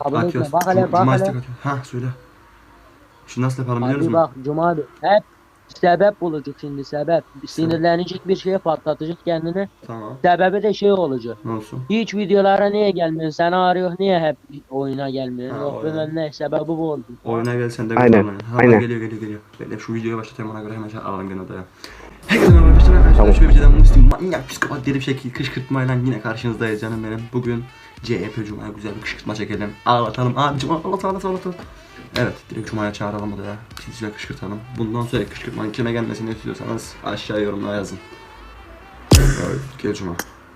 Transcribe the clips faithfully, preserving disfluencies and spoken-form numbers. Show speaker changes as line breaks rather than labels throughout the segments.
Abone etme.
Atıyoruz.
Bak hele
Cuma,
bak
Cuma
hele.
istek atıyor. Hah söyle. Şimdi nasıl yapalım biliyor
Abi
musun?
bak Cuma abi. Hep sebep bulacak şimdi sebep. Sinirlenecek bir şeye patlatacak kendini.
Tamam.
Sebebi de şey olacak.
Ne olsun?
Hiç videolara niye gelmiyorsun? Seni arıyor niye hep oyuna gelmiyorsun?
Ha
Yok
oyuna.
bilmem ne sebebi bu oldu.
Oyuna gel sen de güzel
Aynen.
oynayın. Ha
Aynen.
geliyor geliyor geliyor. Bekle şu videoyu başlatayım ona göre hemen şey alalım gene odaya. Herkese merhaba arkadaşlar. Arkadaşlar
Tamam.
şöyle bir cidden Müslüm manyak psikopat deli bir şekilde kışkırtmayla yine karşınızdayız canım benim. Bugün C E P Cuma'ya güzel bir kışkırtma çekelim. Ağlatalım. Abi Cuma ağlatalım ağlatalım ağlatalım. Evet direkt Cuma'ya çağıralım odaya. Sizce kışkırtalım. Bundan sonra kışkırtmanın kime gelmesini istiyorsanız aşağı yorumlara yazın. Evet gel Cuma.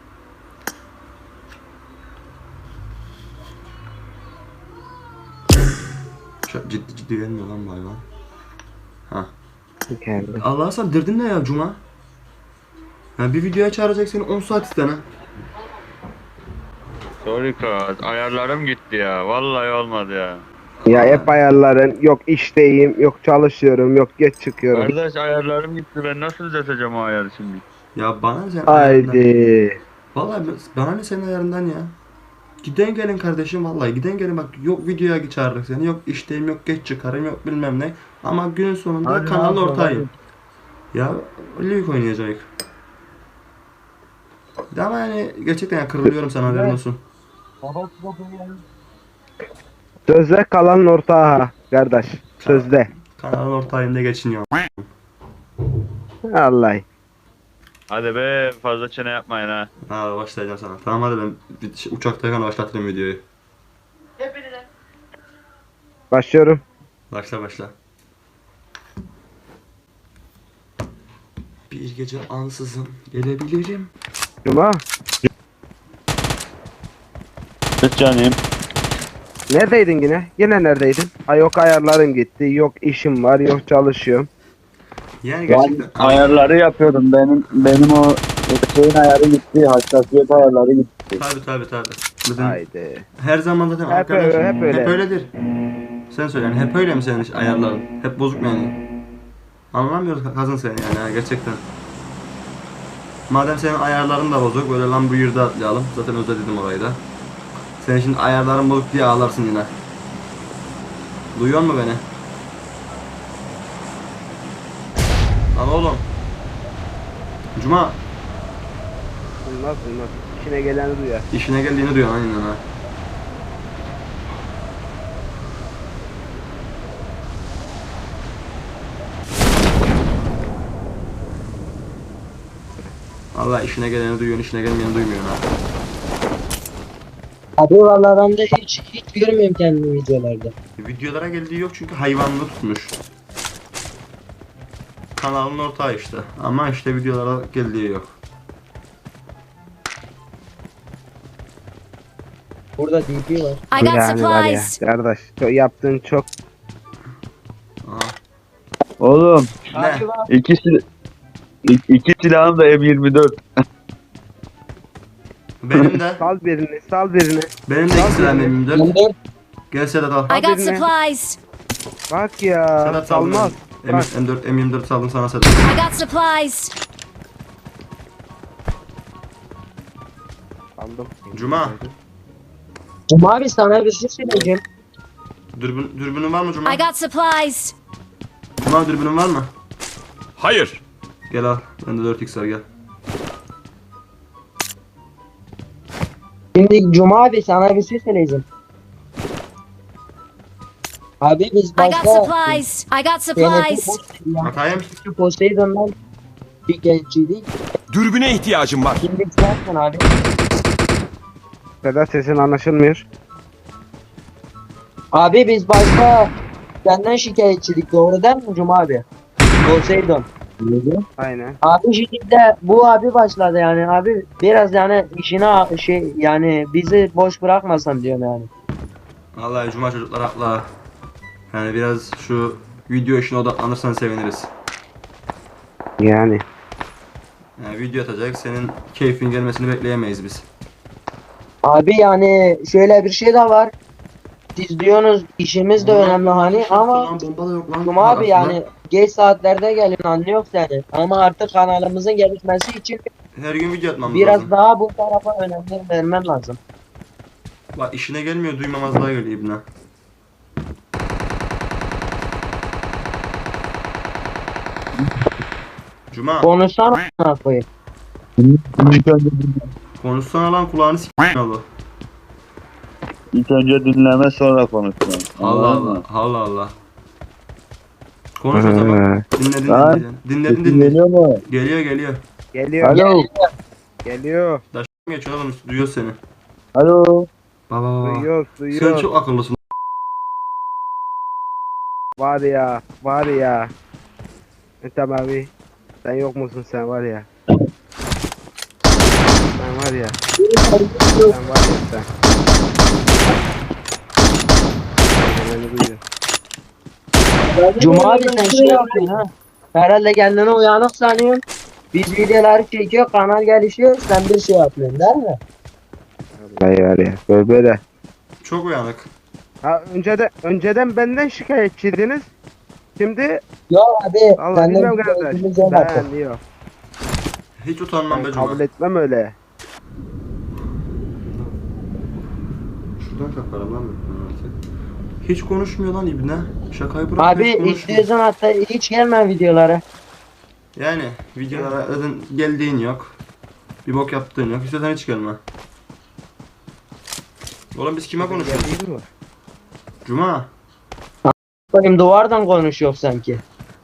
Çok ciddi ciddi gelmiyor lan bu hayvan. Ha.
Geldi.
Allah sen derdin ne ya Cuma? Ha bir videoya çağıracak seni on saat istene.
Sorry kız, ayarlarım gitti ya. Vallahi olmadı ya.
Ya hep ayarların yok işteyim, yok çalışıyorum, yok geç çıkıyorum.
Kardeş ayarlarım gitti. Ben nasıl düzelteceğim o ayarı şimdi?
Ya bana ne senin ayarından?
Haydi.
Vallahi bana ne senin ayarından ya? Giden gelin kardeşim vallahi giden gelin bak yok videoya çağırdık seni yok işteyim yok geç çıkarım yok bilmem ne. Ama günün sonunda
Hadi
kanalın
abi,
ortağıyım. Ya League oynayacak. Ya ama yani gerçekten ya kırılıyorum sana haberin olsun.
Sözde kalanın ortağı kardeş. Sözde.
Kanalın ortağıyım da geçiniyor.
Vallahi.
Hadi be fazla çene yapmayın ha.
Ha başlayacağım sana. Tamam hadi ben bir şey- uçaktayken başlatırım videoyu.
Başlıyorum.
Başla başla. Bir gece ansızın gelebilirim.
Cuma.
Evet canım.
Neredeydin yine? Yine neredeydin? Ha yok ayarlarım gitti, yok işim var, yok çalışıyorum.
Yani gerçekten
Ayarları yapıyordum. Benim benim o şeyin ayarı gitti. Hassasiyet ayarları gitti.
tabi tabi tabi. Zaten
Haydi.
her zaman zaten
Hep
arkadaş
öyle, hep öyle.
hep öyledir. Sen söyle yani hep öyle mi senin iş- ayarların? Hep bozuk mu yani? Anlamıyoruz kazın seni yani ha, gerçekten. Madem senin ayarların da bozuk böyle lan bu yurda atlayalım. Zaten özledim orayı da. Senin şimdi ayarların bozuk diye ağlarsın yine. Duyuyor musun beni? Lan oğlum. Cuma
Olmaz olmaz. İşine geleni duyar.
işine geldiğini duyuyor aynen ha. Allah işine geleni duyuyorsun, işine gelmeyeni duymuyorsun ha.
Abi vallahi ben de hiç hiç görmüyorum kendimi videolarda.
Videolara geldiği yok çünkü hayvanını tutmuş. Kanalın ortağı işte. Ama işte videolara geldiği yok.
Burada D P var.
I got
Yani var ya
supplies.
kardeş. Çok, yaptığın çok.
Aha.
Oğlum
Ne?
Abi bak.
ikisi ik- iki silahım da M yirmi dört.
Benim de.
Sal birini, sal birini.
Benim de iki silahım elimde.
Ben de
Gel Sedat al.
I got
Birine.
supplies.
Bak ya.
Sedat saldım.
Salmaz. Bak.
M dört, M yirmi dört saldım sana Sedat.
I got supplies.
Aldım.
Cuma.
Cuma abi sana bir şey söyleyeceğim.
Dürbün, dürbünün var mı Cuma?
I got supplies.
Cuma dürbünün var mı?
Hayır.
Gel al. Bende dört x var gel.
Şimdi Cuma abi sana bir şey söyleyeceğim. Abi biz
I got
başta
supplies. I got supplies.
Atayım.
Poseidon'dan bir gençiydik.
Dürbüne ihtiyacım var.
Şimdi sensin abi.
Sedat sesin anlaşılmıyor.
Abi biz başta senden şikayetçilik doğru değil mi Cuma abi? Poseidon.
Aynen.
Abi şimdi de bu abi başladı yani abi biraz yani işine şey yani bizi boş bırakmasan diyorum yani.
Vallahi Cuma çocuklar haklı. Yani biraz şu video işine odaklanırsan seviniriz.
Yani.
Yani video atacak senin keyfin gelmesini bekleyemeyiz biz.
Abi yani şöyle bir şey de var. Siz diyorsunuz işimiz de önemli hani ama
Lan bomba da yok lan.
Cuma
Bak
abi
aslında
yani geç saatlerde gelin anlıyor seni. Ama artık kanalımızın gelişmesi için
her gün video atmam
biraz
lazım.
daha bu tarafa önem vermem lazım.
Bak işine gelmiyor, duymamazlığa geliyor ibne. Cuma,
Konuşsana a**ına koyayım.
İlk önce,
konuşsana lan, kulağını s***in oğlu.
ilk önce dinleme sonra konuşma.
Allah
Anladın
Allah,
mı?
Allah Allah. Konuş o zaman. Dinledin
Ha?
dinledin. Dinledin
Sesin
dinledin.
geliyor mu?
Geliyor geliyor.
Geliyor.
Alo.
Geliyor.
Daş geçiyor oğlum, duyuyor seni.
Alo.
Baba.
Duyuyor,
Sen
duyuyor.
çok akıllısın.
Var ya, var ya. Ethem abi. Sen yok musun sen var ya. Sen var ya. Sen var ya sen. Beni duyuyor.
Cuma abi sen şey yapıyorsun ha. Herhalde kendini uyanık sanıyorsun. Biz videoları çekiyor, kanal gelişiyor, sen bir şey yapıyorsun değil mi?
Vallahi var ya. Böyle böyle.
Çok uyanık.
Ha önceden önceden benden şikayetçiydiniz. Şimdi
Yo abi,
Allah
senden
bilmem
bir
kardeş.
keyfimiz yok artık.
Ben diyor.
Hiç utanmam
Ben
be Cuma.
kabul etmem öyle.
Şuradan kaparım lan ben artık. Hiç konuşmuyor lan ibne. Şakayı bırak.
Abi
hiç konuşmuyor.
istiyorsan hatta hiç gelme videolara.
Yani videolara zaten geldiğin yok. Bir bok yaptığın yok. İstersen hiç gelme. Oğlum biz kime konuşuyoruz?
Değil mi?
Cuma.
Benim duvardan konuşuyor sanki.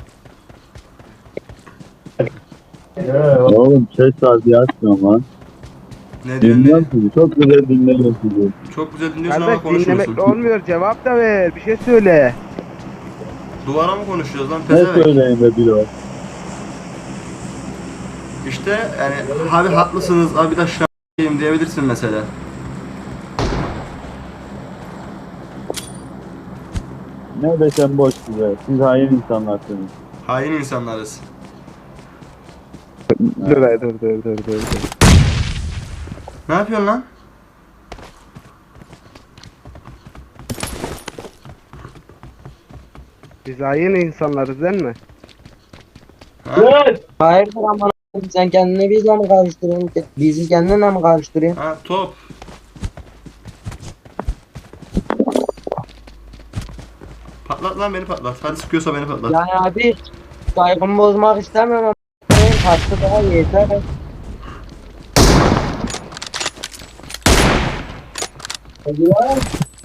Oğlum ses saati açmıyorum lan.
Ne diyorsun?
Dinliyorum
Ne?
sizi. Çok güzel dinliyorum sizi.
Çok güzel dinliyorsun
Kardeş
ama konuşmuyorsun.
dinlemekle olmuyor. Cevap da ver. Bir şey söyle.
Duvara mı konuşuyoruz lan?
Ne
Pezevenk.
söyleyeyim be bilo?
İşte yani abi haklısınız abi de şahıyım diyebilirsin mesela.
Ne desem boş size. Siz hain insanlarsınız.
Hain insanlarız.
Dur dur dur dur dur dur.
Ne yapıyorsun lan?
Biz hain insanlarız değil mi?
Ha?
Hayırdır aman abi, sen kendini bizle mi karıştırıyorsun? Bizi kendinle mi karıştırıyorsun?
Ha top. Patlat lan, beni patlat. Hadi sıkıyorsa beni patlat.
Yani abi saygımı bozmak istemem ama benim hakkı daha yeter. Hadi lan.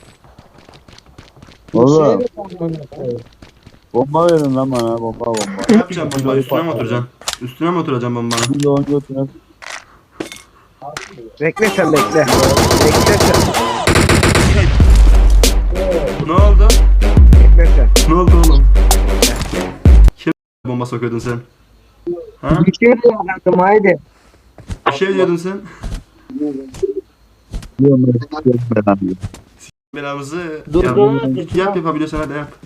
Oğlum.
Bir şey mi sandın?
Bomba verin lan bana. Bomba bomba.
Ne yapacağım bomba? Üstüne mi oturacaksın? Üstüne mi oturacaksın bombanın?
Şimdi onu götüne.
Bekle sen bekle. Bekle sen.
Ne oldu?
Bekle sen.
Ne oldu oğlum? Kim bomba sokuyordun sen? Ha?
Bir şey mi yaptım haydi.
Bir şey diyordun sen.
Diyorum ben istiyorum ben abi.
Belamızı
Dur,
yap,
dur,
yap,
dur.
yap yapabiliyorsan hadi yap.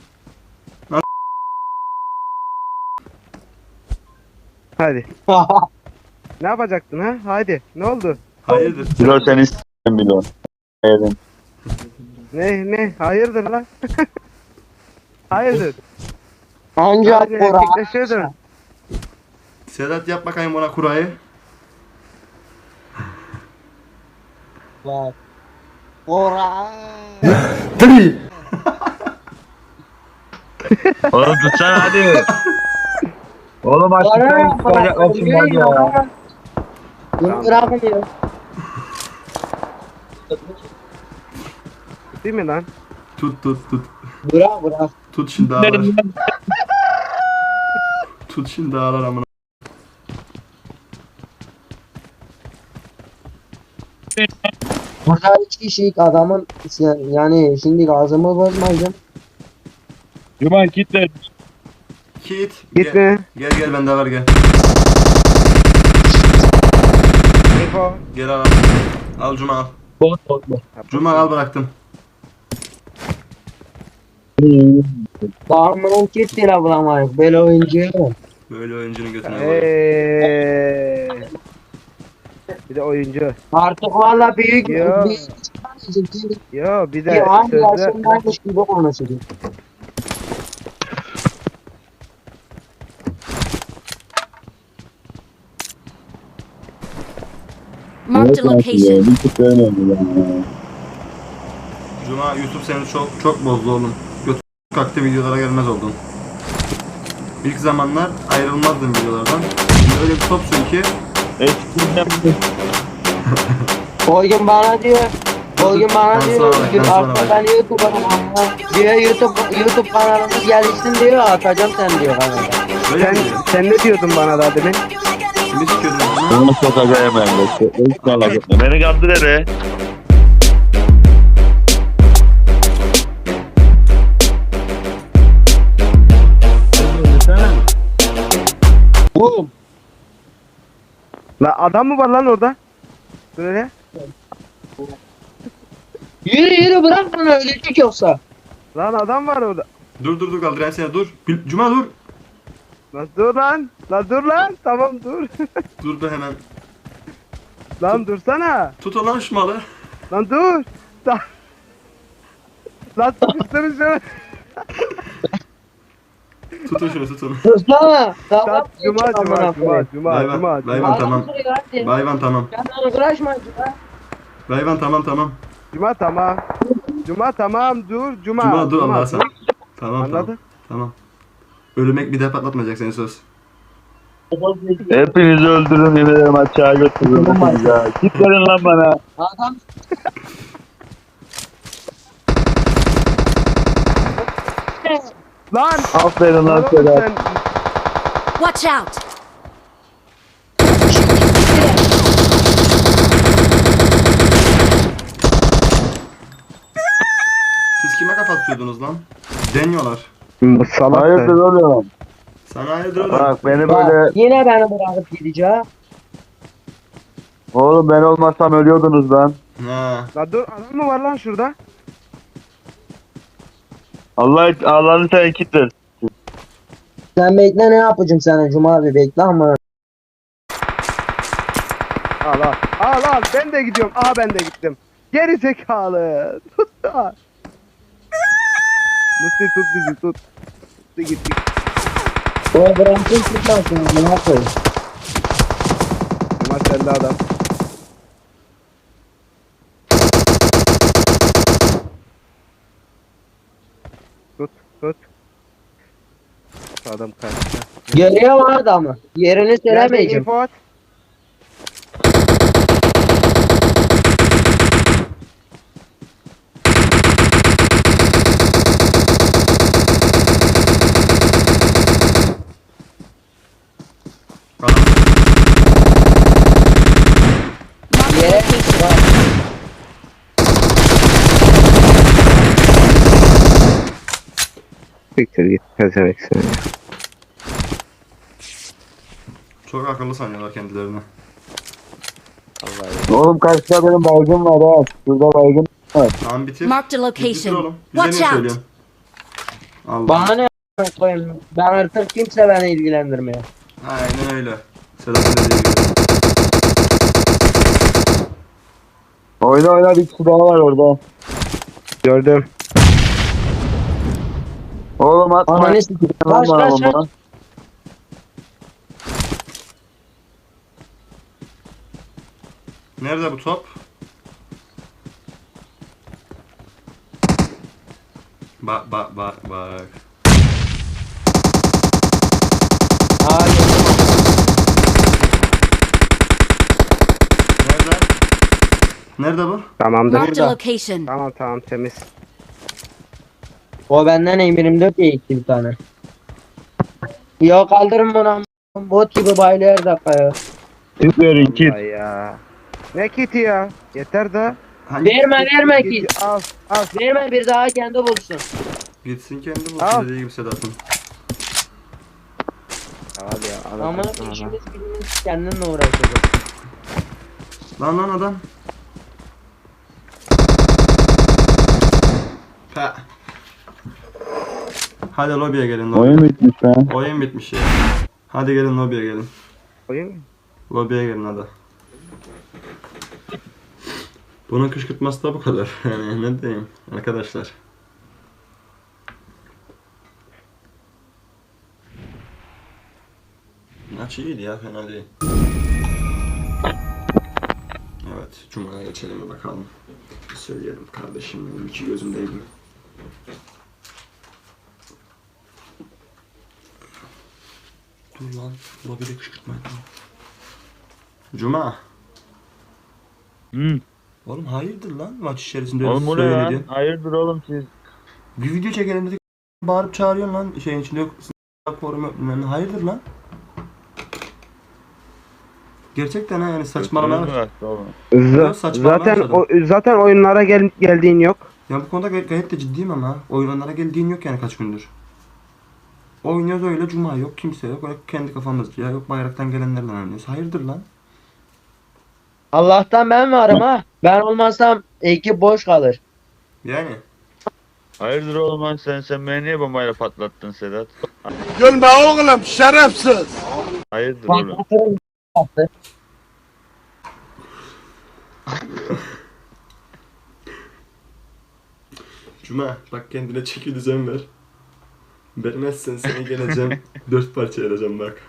Hadi. Ne yapacaktın ha? Hadi. Ne oldu?
Hayırdır?
Bilo seni istiyorum Bilo. Evet.
Ne ne? Hayırdır lan? Hayırdır?
Ancak
Hadi
Kur'an.
erkekleşiyordun.
Sedat yap bakayım bana kurayı.
Bak. Kur'an.
Oğlum tutsana hadi. Oğlum açıklayın çıkacaklar şimdi hadi ya.
Bunu bırakmıyor.
Değil mi lan?
Tut tut tut.
Bırak bırak.
Tut şimdi ağlar. Tut şimdi ağlar amına.
Burada üç kişilik adamın yani şimdi gazımı bozmayacağım.
Cuman kitle.
Kit. Gel,
Gitme.
gel gel bende var gel.
Info.
Gel al. Al Cuma al. Cuma al bıraktım.
Bağımlının kit bile bulamayız. Böyle oyuncu yok.
Böyle oyuncunun götüne koy.
Eee. Bir de oyuncu.
Artık valla büyük
Yo.
büyük çıkamayacak.
Yo bir
Bir
de
hangi
sözde
yaşındaymış gibi konuşuyor.
Marked a location.
Bir tık önemli yani.
Cuma YouTube seni çok çok bozdu oğlum. Götü kalktı, videolara gelmez oldun. İlk zamanlar ayrılmazdım videolardan. Şimdi öyle bir topsun ki
Eskiden
O gün bana diyor. O gün bana
Ben
diyor.
sonra bak, ben sonra
Artık
bak.
ben YouTube'a diyor YouTube YouTube kanalımız gelişsin diyor. Atacağım sen diyor kanala.
böyle
Sen,
mi diyor?
sen ne diyordun bana da demin?
Kimi sikiyordun bana?
onu sokacağım ben de. Hiç merak etme. Beni kandır hele.
Bu.
La adam mı var lan orada? Böyle.
Yürü yürü bırak bunu ölecek yoksa.
Lan adam var orada.
Dur dur dur kaldırayım seni, dur. Bil- Cuma dur.
Lan dur lan. Lan dur lan. Tamam dur.
Dur be hemen.
Lan dursana.
Tut lan şu malı.
Lan dur. Lan, lan sıkıştırın şunu.
Tutun şunu, tutun.
Dursana.
Lan
Tamam.
cuma cuma cuma cuma
Bayvan,
cuma
bayvan.
cuma.
tamam. Bayvan tamam.
Kendini uğraşma cuma.
Bayvan tamam tamam.
Cuma tamam. Cuma tamam dur cuma.
Cuma dur Allah'a sen.
dur.
Tamam
Anladın?
tamam. Tamam. Ölümek bir daha patlatmayacak seni, söz.
Hepinizi öldürürüm, yemin ederim aşağı götürürüm. hepinizi ya. Git verin lan bana.
Adam
Lan.
Aferin lan
Lan oğlum
Sedat.
sen.
Watch out!
Siz kime kafa tutuyordunuz lan? Deniyorlar.
Bu salak
Hayırdır
da.
Sana
oğlum?
hayırdır oğlum?
Bak beni
bak,
böyle...
yine beni bırakıp gideceğim.
Oğlum ben olmasam ölüyordunuz lan.
Ha.
Lan dur adam mı var lan şurada?
Allah Allah'ını sen kitler.
Sen bekle, ne yapacağım sana Cuma abi, bekle ama.
Al al. Al al ben de gidiyorum. Aa ben de gittim. Geri zekalı. Tut da. Musti tut bizi tut. Musti gittik.
O bırakın tutmasın, ne yapayım?
Cuma sende adam. Tut tut. Adam kaçtı.
Görüyor mu adamı? Yerini
Nerede
söylemeyeceğim.
info at?
Yere bak.
Siktir git. Pezevenk seni.
Çok akıllı sanıyorlar kendilerini.
Oğlum karşıda benim baygın var ha. Şurada baygın var.
Tamam bitir.
Marked a
Git bitir
location.
oğlum. Bize
Watch
niye
out!
söylüyorsun? Allah.
Bana ne a**ına koyayım? Ben artık kimse beni ilgilendirmiyor.
Aynen öyle. Sedat'ın dediği gibi.
Oyna oyna, bir kişi daha var orada.
Gördüm.
Oğlum atma.
Ananı sikeyim.
Lan
Kaç
bana
kaç
bomba.
kaç.
Nerede bu top? Bak bak bak bak.
Aa, gördüm.
Nerede? Nerede bu?
Tamamdır.
Marked a
Burada.
location.
Tamam tamam temiz.
O benden M yirmi dört diye gitti bir tane. Ya kaldırın bunu am- bot gibi bayılıyor her dakika ya.
Kit verin kit.
Ay ya. Ne kiti ya? Yeter da.
Hangi?
Verme verme ki.
Kiti al al.
Verme, bir daha kendi bulsun.
Gitsin kendi
Al.
bulsun dediği gibi Sedat'ın.
Al ya. Al,
Ama
al, al, al.
işimiz gücümüz kendinle uğraşacak.
Lan lan adam. Ha. Hadi lobiye gelin. Lobi.
Oyun bitmiş lan.
Oyun bitmiş ya. Hadi gelin lobiye gelin.
Oyun mu?
Lobiye gelin hadi. Bunun kışkırtması da bu kadar. Yani ne diyeyim arkadaşlar. Maç iyiydi ya, fena değil. Evet. Evet, Cuma'ya geçelim bakalım. Söyleyelim kardeşim benim iki gözümdeydim. Dur lan, lobide kışkırtma etme. Cuma.
Hı.
Oğlum hayırdır lan maç içerisinde öyle
Oğlum bu ne lan?
söyledi.
Hayırdır oğlum siz?
Bir video çekelim dedik, bağırıp çağırıyorsun lan şeyin içinde yok. Forum yok bilmem ne. Hayırdır lan? Gerçekten ha yani saçmalama.
Götünüz mü kaçtı oğlum?
Z-
Yok, saçmalamaya
zaten
başladım.
o, zaten oyunlara gel geldiğin yok.
Ya bu konuda gay- gayet de ciddiyim ama oyunlara geldiğin yok yani kaç gündür. Oynuyoruz öyle cuma yok kimse yok öyle kendi kafamızca yok bayraktan gelenlerle oynuyoruz. Hayırdır lan?
Allah'tan ben varım ha. Ben olmazsam ekip boş kalır.
Yani.
Hayırdır oğlum lan sen sen beni niye bombayla patlattın Sedat?
Gülme oğlum şerefsiz.
Hayırdır oğlum?
Patlatırım. Patlatır.
Cuma bak kendine çeki düzen ver. Vermezsen seni geleceğim dört parça edeceğim bak.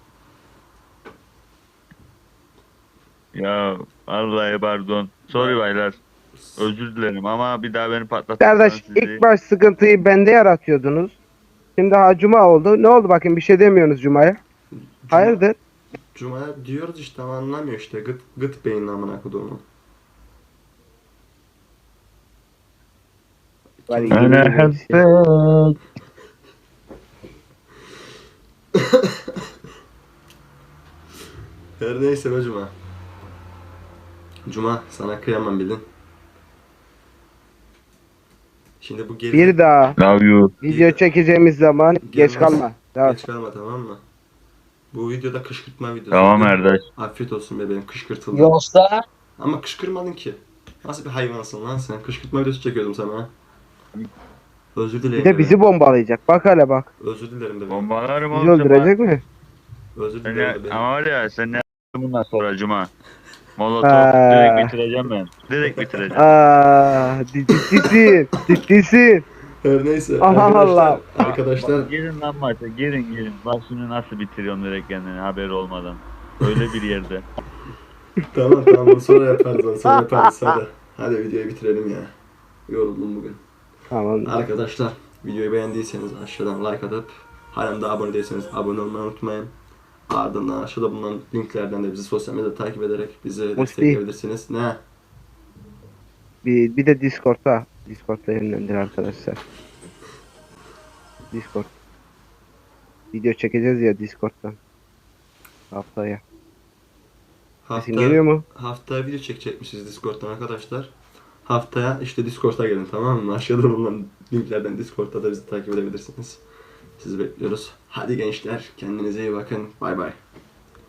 Ya vallahi pardon. Sorry baylar. Özür dilerim ama bir daha beni patlatırsan
Kardeş
sizi...
ilk baş sıkıntıyı bende yaratıyordunuz. Şimdi ha Cuma oldu. Ne oldu bakayım bir şey demiyorsunuz Cuma'ya. Hayırdır?
Cuma diyoruz işte ama anlamıyor işte gıt gıt beyin amına koduğumu.
Var iyi
Ana
bir şey.
habbet.
Her neyse be Cuma. Cuma sana kıyamam bildin. Şimdi bu geri...
Bir daha
Love you.
video çekeceğimiz zaman geç
Gelmez.
kalma. Tamam.
Geç kalma tamam mı? Bu videoda kışkırtma videosu.
Tamam Erdaş.
Afiyet olsun bebeğim kışkırtıldı.
Yoksa
Ama kışkırmadın ki. Nasıl bir hayvansın lan sen? Kışkırtma videosu çekiyordum sana. Özür dilerim.
Bir de bizi bombalayacak. Bak hele bak.
Özür dilerim bebeğim.
Bombalarım
Bizi
oğlum. sen
öldürecek mi?
Özür
Seni,
dilerim bebeğim.
ama var ya sen ne bundan sonra Cuma. Molotov
Aa.
direkt bitireceğim ben. Direkt bitireceğim.
Aa, ciddisin. Ciddisin.
Her neyse.
Allah
arkadaşlar,
Allah.
Arkadaşlar
Girin lan maça girin girin. Bak şimdi nasıl bitiriyorum direkt kendini haberi olmadan. Öyle bir yerde.
tamam tamam onu sonra yaparız onu sonra yaparız hadi. Hadi videoyu bitirelim ya. Yoruldum bugün.
Tamam.
Arkadaşlar videoyu beğendiyseniz aşağıdan like atıp halen daha abone değilseniz abone olmayı unutmayın. Ardından aşağıda bulunan linklerden de bizi sosyal medyada takip ederek bizi destekleyebilirsiniz. Ne?
Bir, bir de Discord'a. Discord'a yönlendir arkadaşlar. Discord. Video çekeceğiz ya Discord'dan. Haftaya. Sesin
Hafta,
geliyor mu?
haftaya video çekecekmişiz Discord'dan arkadaşlar. Haftaya işte Discord'a gelin tamam mı? Aşağıda bulunan linklerden Discord'da da bizi takip edebilirsiniz. Sizi bekliyoruz. Hadi gençler kendinize iyi bakın. Bay bay.